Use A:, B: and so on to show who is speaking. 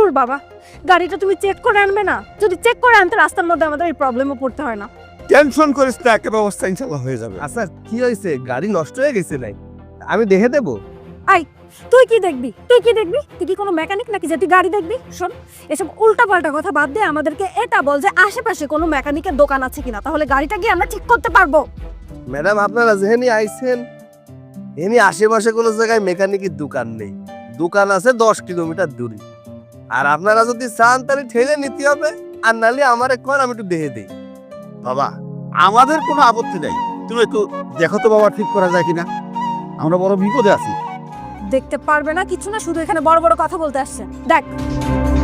A: দূর বাবা, গাড়িটা তুমি চেক করে আনবে না? যদি চেক করে আনতে রাস্তার মধ্যে আমাদের এই প্রবলেমে পড়তে হয় না।
B: টেনশন করিস না, একটা ব্যবস্থা ইনশাল্লাহ হয়ে যাবে।
C: আচ্ছা কি হয়েছে, গাড়ি নষ্ট হয়ে গেছে নাই? আমি দেখে দেবো।
A: তুই কি দেখবি? তুই কি কোনো মেকানিক নাকি যে তুই গাড়ি দেখবি? শোন, এসব উল্টাপাল্টা কথা বাদ দিয়ে আমাদেরকে এটা বল যে আশেপাশে কোনো মেকানিকের দোকান আছে কিনা, তাহলে গাড়িটা গিয়ে আমরা ঠিক করতে পারবো।
C: ম্যাডাম আপনারা যেহেনি আইছেন এমনি আশেপাশে কোনো জায়গায় মেকানিকের দোকান নেই, দোকান আছে 10 কিলোমিটার দূরে। আর আপনারা যদি চান তাহলে ঠেলে নিতে হবে, আর নাহলে আমার এখন আমি একটু দেখে দিই।
B: বাবা, আমাদের কোনো আপত্তি নাই, তুমি একটু দেখো তো বাবা ঠিক করা যায় কিনা, আমরা বড় বিপদে আছি।
A: দেখতে পারবে না কিছু না, শুধু এখানে বড় বড় কথা বলতে আসছে। দেখ